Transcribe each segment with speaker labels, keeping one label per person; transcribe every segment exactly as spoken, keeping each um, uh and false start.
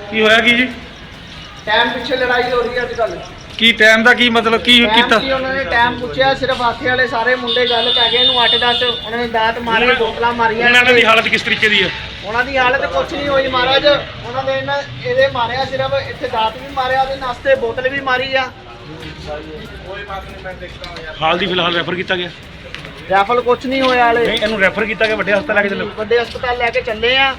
Speaker 1: ਕੀ ਹੋਇਆ ਕੀ ਜੀ?
Speaker 2: ਟਾਈਮ ਪਿੱਛੇ ਲੜਾਈ ਹੋ ਰਹੀ ਹੈ ਅੱਜ ਕੱਲ।
Speaker 1: ਕੀ ਟਾਈਮ ਦਾ ਕੀ ਮਤਲਬ ਕੀ ਕੀਤਾ?
Speaker 2: ਕੀ ਉਹਨਾਂ ਨੇ ਟਾਈਮ ਪੁੱਛਿਆ, ਸਿਰਫ ਹਾਥੇ ਵਾਲੇ ਸਾਰੇ ਮੁੰਡੇ ਗੱਲ ਪੈ ਗਏ ਇਹਨੂੰ ਅੱਠ ਦਸ, ਉਹਨਾਂ ਨੇ ਦਾਤ ਮਾਰੇ, ਬੋਤਲਾਂ ਮਾਰੀਆਂ।
Speaker 1: ਉਹਨਾਂ ਦੀ ਹਾਲਤ ਕਿਸ ਤਰੀਕੇ ਦੀ ਹੈ?
Speaker 2: ਉਹਨਾਂ ਦੀ ਹਾਲਤ ਕੁਛ ਨਹੀਂ ਹੋਈ ਮਹਾਰਾਜ, ਉਹਨਾਂ ਦੇ ਇਹਨਾਂ ਇਹਦੇ ਮਾਰਿਆ, ਸਿਰਫ ਇੱਥੇ ਦਾਤ ਵੀ ਮਾਰਿਆ, ਉਹਦੇ ਨਾਸਤੇ ਬੋਤਲ ਵੀ ਮਾਰੀ ਆ।
Speaker 1: ਹਾਲ ਦੀ ਫਿਲਹਾਲ ਰੈਫਰ ਕੀਤਾ ਗਿਆ?
Speaker 2: ਰੈਫਲ ਕੁਛ ਨਹੀਂ ਹੋਇਆ ਹਾਲੇ।
Speaker 1: ਨਹੀਂ, ਇਹਨੂੰ ਰੈਫਰ ਕੀਤਾ ਗਿਆ, ਵੱਡੇ ਹਸਪਤਾਲ ਲੈ ਕੇ ਚੱਲੋ।
Speaker 2: ਵੱਡੇ ਹਸਪਤਾਲ ਲੈ ਕੇ ਚੱਲੇ ਆ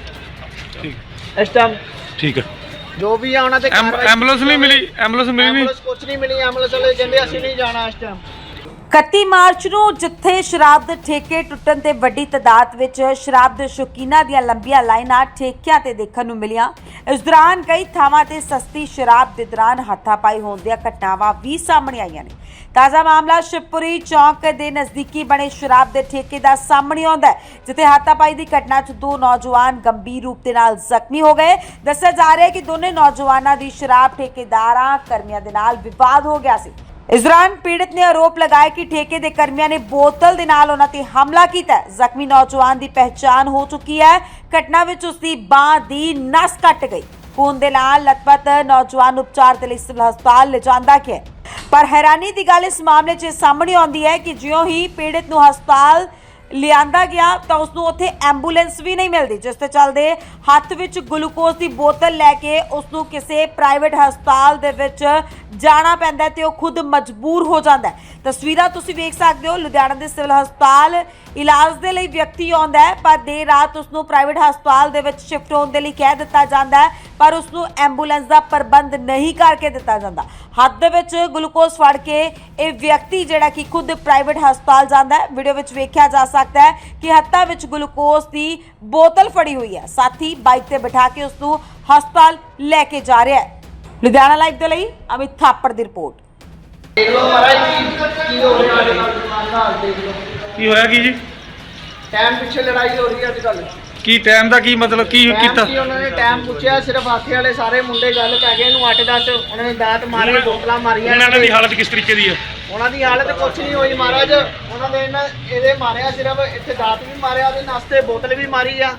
Speaker 1: ਠੀਕ
Speaker 2: ਇਸ ਟਾਈਮ।
Speaker 1: ਠੀਕ ਹੈ।
Speaker 2: ਜੋ ਵੀ ਆ ਉਹਨਾਂ ਤੇ
Speaker 1: ਐਂਬੂਲੈਂਸ ਨਹੀਂ ਮਿਲੀ? ਐਂਬੂਲੈਂਸ ਮਿਲੀ ਨਹੀਂ?
Speaker 2: ਐਂਬੂਲੈਂਸ ਕੁਛ ਨਹੀਂ ਮਿਲੀ। ਐਂਬੂਲੈਂਸ ਵਾਲੇ ਕਹਿੰਦੇ ਅਸੀਂ ਨਹੀਂ ਜਾਣਾ ਇਸ ਟਾਈਮ।
Speaker 3: ਇਕੱਤੀ ਮਾਰਚ ਨੂੰ ਜਿੱਥੇ ਸ਼ਰਾਬ ਦੇ ਠੇਕੇ ਟੁੱਟਣ ਤੇ ਵੱਡੀ ਤਾਦਾਦ ਵਿੱਚ ਸ਼ਰਾਬ ਦੇ ਸ਼ੌਕੀਨਾਂ ਦੀਆਂ ਲੰਬੀਆਂ ਲਾਈਨਾਂ ਠੇਕਿਆਂ ਤੇ ਦੇਖਣ ਨੂੰ ਮਿਲੀਆਂ, ਇਸ ਦੌਰਾਨ ਕਈ ਥਾਵਾਂ ਤੇ ਸਸਤੀ ਸ਼ਰਾਬ ਦੇ ਦੌਰਾਨ ਹੱਥਾਪਾਈ ਹੋਣ ਦੀਆਂ ਘਟਨਾਵਾਂ ਵੀ ਸਾਹਮਣੇ ਆਈਆਂ ਨੇ। ਤਾਜ਼ਾ ਮਾਮਲਾ ਸ਼ਿਵਪੁਰੀ ਚੌਂਕ ਦੇ ਨਜ਼ਦੀਕੀ ਬਣੇ ਸ਼ਰਾਬ ਦੇ ਠੇਕੇ ਦਾ ਸਾਹਮਣੇ ਆਉਂਦਾ ਹੈ, ਜਿੱਥੇ ਹੱਥਾਪਾਈ ਦੀ ਘਟਨਾ 'ਚ ਦੋ ਨੌਜਵਾਨ ਗੰਭੀਰ ਰੂਪ ਦੇ ਨਾਲ ਜ਼ਖਮੀ ਹੋ ਗਏ। ਦੱਸਿਆ ਜਾ ਰਿਹਾ ਹੈ ਕਿ ਦੋਨੇ ਨੌਜਵਾਨਾਂ ਦੀ ਸ਼ਰਾਬ ਠੇਕੇਦਾਰਾਂ ਕਰਮੀਆਂ ਦੇ ਨਾਲ ਵਿਵਾਦ ਹੋ ਗਿਆ ਸੀ। ਇਸ ਦੌਰਾਨ ਪੀੜਤ ਨੇ ਆਰੋਪ ਲਗਾਇਆ ਕਿ ਠੇਕੇ ਦੇ ਕਰਮੀਆਂ ਨੇ ਬੋਤਲ ਦੇ ਨਾਲ ਉਹਨਾਂ ਤੇ ਹਮਲਾ ਕੀਤਾ। ਜ਼ਖਮੀ ਨੌਜਵਾਨ ਦੀ ਪਹਿਚਾਣ ਹੋ ਚੁੱਕੀ ਹੈ। ਘਟਨਾ ਵਿੱਚ ਉਸ ਦੀ ਬਾਂਹ ਦੀ ਨਸ ਕੱਟ ਗਈ। ਖੂਨ ਦੇ ਨਾਲ ਲਤਪਤ ਨੌਜਵਾਨ ਉਪਚਾਰ ਦੇ ਲਈ ਸਿਵਲ ਹਸਪਤਾਲ ਲਿਜਾਂਦਾ ਗਿਆ। ਪਰ ਹੈਰਾਨੀ ਦੀ ਗੱਲ ਇਸ ਮਾਮਲੇ 'ਚ ਸਾਹਮਣੇ ਆਉਂਦੀ ਹੈ ਕਿ ਜਿਉਂ ਹੀ ਪੀੜਤ ਨੂੰ ਹਸਪਤਾਲ ਲਿਆਂਦਾ ਗਿਆ ਤਾਂ ਉਸ ਨੂੰ ਉੱਥੇ ਐਂਬੂਲੈਂਸ ਵੀ ਨਹੀਂ ਮਿਲਦੀ, ਜਿਸ ਤੇ ਚੱਲਦੇ ਹੱਥ ਵਿੱਚ ਗਲੂਕੋਜ਼ ਦੀ ਬੋਤਲ ਲੈ ਕੇ ਉਸ ਨੂੰ ਕਿਸੇ ਪ੍ਰਾਈਵੇਟ ਹਸਪਤਾਲ ਦੇ ਵਿੱਚ ਜਾਣਾ ਪੈਂਦਾ ਤੇ ਉਹ ਖੁਦ ਮਜਬੂਰ ਹੋ ਜਾਂਦਾ ਹੈ। ਤਸਵੀਰਾਂ ਤੁਸੀਂ ਵੇਖ ਸਕਦੇ ਹੋ, ਲੁਧਿਆਣਾ ਦੇ ਸਿਵਲ ਹਸਪਤਾਲ ਇਲਾਜ ਦੇ ਲਈ ਵਿਅਕਤੀ ਆਉਂਦਾ ਹੈ, ਪਰ ਦੇਰ ਰਾਤ ਉਸ ਨੂੰ ਪ੍ਰਾਈਵੇਟ ਹਸਪਤਾਲ ਦੇ ਵਿੱਚ ਸ਼ਿਫਟ ਹੋਣ ਦੇ ਲਈ ਕਹਿ ਦਿੱਤਾ ਜਾਂਦਾ ਹੈ, ਪਰ ਉਸ ਨੂੰ ਐਂਬੂਲੈਂਸ ਦਾ ਪ੍ਰਬੰਧ ਨਹੀਂ ਕਰਕੇ ਦਿੱਤਾ ਜਾਂਦਾ। ਹੱਥ ਦੇ ਵਿੱਚ ਗਲੂਕੋਜ਼ ਫੜ ਕੇ ਇਹ ਵਿਅਕਤੀ ਜਿਹੜਾ ਕਿ ਖੁਦ ਪ੍ਰਾਈਵੇਟ ਹਸਪਤਾਲ ਜਾਂਦਾ ਹੈ। ਵੀਡੀਓ ਵਿੱਚ ਵੇਖਿਆ ਜਾ ਸਕਦਾ ਹੈ ਕਿ ਹੱਥਾਂ ਵਿੱਚ ਗਲੂਕੋਜ਼ ਦੀ ਬੋਤਲ ਫੜੀ ਹੋਈ ਹੈ, ਸਾਥੀ ਬਾਈਕ ਤੇ ਬਿਠਾ ਕੇ ਉਸ ਨੂੰ ਹਸਪਤਾਲ ਲੈ ਕੇ ਜਾ ਰਿਹਾ ਹੈ। ਲੁਧਿਆਣਾ ਲਾਈਵ ਦੇ ਲਈ ਅਮਿਤ ਥਾਪੜ ਦੀ ਰਿਪੋਰਟ।
Speaker 2: ਦੇਖ ਲਓ ਮਹਾਰਾਜ ਕੀ ਹੋ ਰਿਹਾ ਹੈ ਨਾਲ, ਦੇਖ ਲਓ
Speaker 1: ਕੀ ਹੋਇਆ ਕੀ ਜੀ?
Speaker 2: ਟਾਈਮ ਪਿੱਛੇ ਲੜਾਈ ਹੋ ਰਹੀ ਹੈ ਅੱਜ ਕੱਲ।
Speaker 1: ਕੀ ਟਾਈਮ ਦਾ ਕੀ ਮਤਲਬ ਕੀ ਕੀਤਾ?
Speaker 2: ਕੀ ਉਹਨਾਂ ਨੇ ਟਾਈਮ ਪੁੱਛਿਆ, ਸਿਰਫ ਹਾਥੇ ਵਾਲੇ ਸਾਰੇ ਮੁੰਡੇ ਗੱਲ ਪੈ ਗਏ ਇਹਨੂੰ ਅੱਠ ਦਸ, ਉਹਨਾਂ ਨੇ ਦਾਤ ਮਾਰੇ, ਬੋਤਲਾਂ ਮਾਰੀਆਂ।
Speaker 1: ਉਹਨਾਂ ਦੀ ਹਾਲਤ ਕਿਸ ਤਰੀਕੇ ਦੀ ਹੈ?
Speaker 2: ਉਹਨਾਂ ਦੀ ਹਾਲਤ ਕੁਛ ਨਹੀਂ ਹੋਈ ਮਹਾਰਾਜ, ਉਹਨਾਂ ਦੇ ਇਹਨਾਂ ਇਹਦੇ ਮਾਰਿਆ, ਸਿਰਫ ਇੱਥੇ ਦਾਤ ਵੀ ਮਾਰਿਆ, ਉਹਦੇ ਨਾਸਤੇ ਬੋਤਲ ਵੀ ਮਾਰੀ ਆ।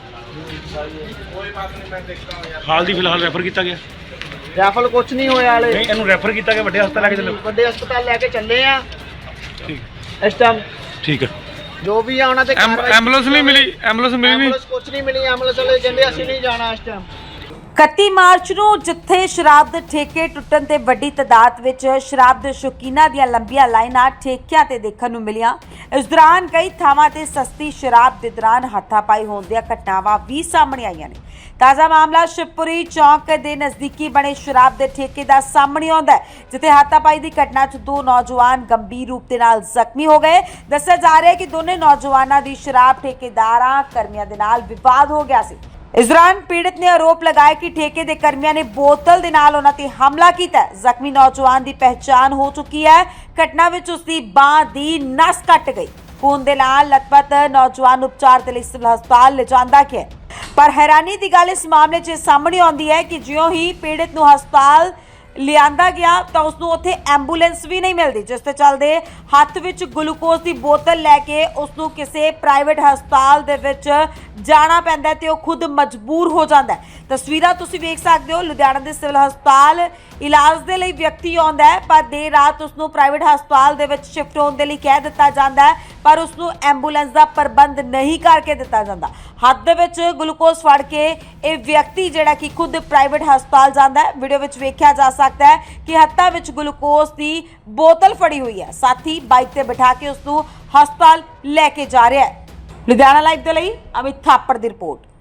Speaker 1: ਹਾਲ ਦੀ ਫਿਲਹਾਲ ਰੈਫਰ ਕੀਤਾ ਗਿਆ?
Speaker 2: ਰੈਫਲ ਕੁਛ ਨਹੀਂ ਹੋਇਆ ਹਾਲੇ।
Speaker 1: ਨਹੀਂ, ਇਹਨੂੰ ਰੈਫਰ ਕੀਤਾ ਗਿਆ, ਵੱਡੇ ਹਸਪਤਾਲ ਲੈ ਕੇ ਚੱਲੋ।
Speaker 2: ਵੱਡੇ ਹਸਪਤਾਲ ਲੈ ਕੇ ਚੱਲੇ ਆ
Speaker 1: ਠੀਕ
Speaker 2: ਇਸ ਟਾਈਮ।
Speaker 1: ਠੀਕ ਹੈ।
Speaker 2: ਜੋ ਵੀ ਆ ਉਹਨਾਂ ਤੇ
Speaker 1: ਐਂਬੂਲੈਂਸ ਨਹੀਂ ਮਿਲੀ? ਐਂਬੂਲੈਂਸ ਮਿਲੀ ਨਹੀਂ?
Speaker 2: ਐਂਬੂਲੈਂਸ ਕੁਛ ਨਹੀਂ ਮਿਲੀ। ਐਂਬੂਲੈਂਸ ਵਾਲੇ ਕਹਿੰਦੇ ਅਸੀਂ ਨਹੀਂ ਜਾਣਾ ਇਸ ਟਾਈਮ।
Speaker 3: ਇਕੱਤੀ ਮਾਰਚ ਨੂੰ ਜਿੱਥੇ ਸ਼ਰਾਬ ਦੇ ਠੇਕੇ ਟੁੱਟਣ ਤੇ ਵੱਡੀ ਤਾਦਾਦ ਵਿੱਚ ਸ਼ਰਾਬ ਦੇ ਸ਼ੌਕੀਨਾਂ ਦੀਆਂ ਲੰਬੀਆਂ ਲਾਈਨਾਂ ਠੇਕਿਆਂ ਤੇ ਦੇਖਣ ਨੂੰ ਮਿਲੀਆਂ, ਇਸ ਦੌਰਾਨ ਕਈ ਥਾਵਾਂ ਤੇ ਸਸਤੀ ਸ਼ਰਾਬ ਦੇ ਦੌਰਾਨ ਹੱਥਾਪਾਈ ਹੋਣ ਦੀਆਂ ਘਟਨਾਵਾਂ ਵੀ ਸਾਹਮਣੇ ਆਈਆਂ ਨੇ। ਤਾਜ਼ਾ ਮਾਮਲਾ ਸ਼ਿਵਪੁਰੀ ਚੌਂਕ ਦੇ ਨਜ਼ਦੀਕੀ ਬਣੇ ਸ਼ਰਾਬ ਦੇ ਠੇਕੇ ਦਾ ਸਾਹਮਣੇ ਆਉਂਦਾ ਹੈ, ਜਿੱਥੇ ਹੱਥਾਪਾਈ ਦੀ ਘਟਨਾ 'ਚ ਦੋ ਨੌਜਵਾਨ ਗੰਭੀਰ ਰੂਪ ਦੇ ਨਾਲ ਜ਼ਖਮੀ ਹੋ ਗਏ। ਦੱਸਿਆ ਜਾ ਰਿਹਾ ਹੈ ਕਿ ਦੋਨੇ ਨੌਜਵਾਨਾਂ ਦੀ ਸ਼ਰਾਬ ਠੇਕੇਦਾਰਾਂ ਕਰਮੀਆਂ ਦੇ ਨਾਲ ਵਿਵਾਦ ਹੋ ਗਿਆ ਸੀ। ਇਸ ਦੌਰਾਨ ਪੀੜਤ ਨੇ ਆਰੋਪ ਲਗਾਇਆ ਕਿ ਠੇਕੇ ਦੇ ਕਰਮੀਆਂ ਨੇ ਬੋਤਲ ਦੇ ਨਾਲ ਉਹਨਾਂ ਤੇ ਹਮਲਾ ਕੀਤਾ। ਜ਼ਖਮੀ ਨੌਜਵਾਨ ਦੀ ਪਹਿਚਾਣ ਹੋ ਚੁੱਕੀ ਹੈ। ਘਟਨਾ ਵਿੱਚ ਉਸ ਦੀ ਬਾਂਹ ਦੀ ਨਸ ਕੱਟ ਗਈ। ਖੂਨ ਦੇ ਨਾਲ ਲਤਪਤ ਨੌਜਵਾਨ ਉਪਚਾਰ ਦੇ ਲਈ ਸਿਵਲ ਹਸਪਤਾਲ ਲਿਜਾਂਦਾ ਗਿਆ। ਪਰ ਹੈਰਾਨੀ ਦੀ ਗੱਲ ਇਸ ਮਾਮਲੇ 'ਚ ਸਾਹਮਣੇ ਆਉਂਦੀ ਹੈ ਕਿ ਜਿਉਂ ਹੀ ਪੀੜਤ ਨੂੰ ਹਸਪਤਾਲ ਲਿਆਂਦਾ ਗਿਆ ਤਾਂ ਉਸ ਨੂੰ ਉੱਥੇ ਐਂਬੂਲੈਂਸ ਵੀ ਨਹੀਂ ਮਿਲਦੀ, ਜਿਸ ਤੇ ਚੱਲਦੇ ਹੱਥ ਵਿੱਚ ਗਲੂਕੋਜ਼ ਦੀ ਬੋਤਲ ਲੈ ਕੇ ਉਸ ਨੂੰ ਕਿਸੇ ਪ੍ਰਾਈਵੇਟ ਹਸਪਤਾਲ ਦੇ ਵਿੱਚ ਜਾਣਾ ਪੈਂਦਾ ਤੇ ਉਹ ਖੁਦ ਮਜਬੂਰ ਹੋ ਜਾਂਦਾ ਹੈ। ਤਸਵੀਰਾਂ ਤੁਸੀਂ ਵੇਖ ਸਕਦੇ ਹੋ, ਲੁਧਿਆਣਾ ਦੇ ਸਿਵਲ ਹਸਪਤਾਲ ਇਲਾਜ ਦੇ ਲਈ ਵਿਅਕਤੀ ਆਉਂਦਾ ਹੈ, ਪਰ ਦੇਰ ਰਾਤ ਉਸ ਨੂੰ ਪ੍ਰਾਈਵੇਟ ਹਸਪਤਾਲ ਦੇ ਵਿੱਚ ਸ਼ਿਫਟ ਹੋਣ ਦੇ ਲਈ ਕਹਿ ਦਿੱਤਾ ਜਾਂਦਾ ਹੈ, ਪਰ ਉਸ ਨੂੰ ਐਂਬੂਲੈਂਸ ਦਾ ਪ੍ਰਬੰਧ ਨਹੀਂ ਕਰਕੇ ਦਿੱਤਾ ਜਾਂਦਾ। ਹੱਥ ਦੇ ਵਿੱਚ ਗਲੂਕੋਜ਼ ਫੜ ਕੇ ਇਹ ਵਿਅਕਤੀ ਜਿਹੜਾ ਕਿ ਖੁਦ ਪ੍ਰਾਈਵੇਟ ਹਸਪਤਾਲ ਜਾਂਦਾ ਹੈ। ਵੀਡੀਓ ਵਿੱਚ ਵੇਖਿਆ ਜਾ ਸਕਦਾ ਹੈ ਕਿ ਹੱਥਾਂ ਵਿੱਚ ਗਲੂਕੋਜ਼ ਦੀ ਬੋਤਲ ਫੜੀ ਹੋਈ ਹੈ, ਸਾਥੀ ਬਾਈਕ ਤੇ ਬਿਠਾ ਕੇ ਉਸ ਨੂੰ ਹਸਪਤਾਲ ਲੈ ਕੇ ਜਾ ਰਿਹਾ ਹੈ। ਲੁਧਿਆਣਾ ਲਾਈਵ ਦੇ ਲਈ ਅਮਿਤ ਥਾਪੜ ਦੀ ਰਿਪੋਰਟ।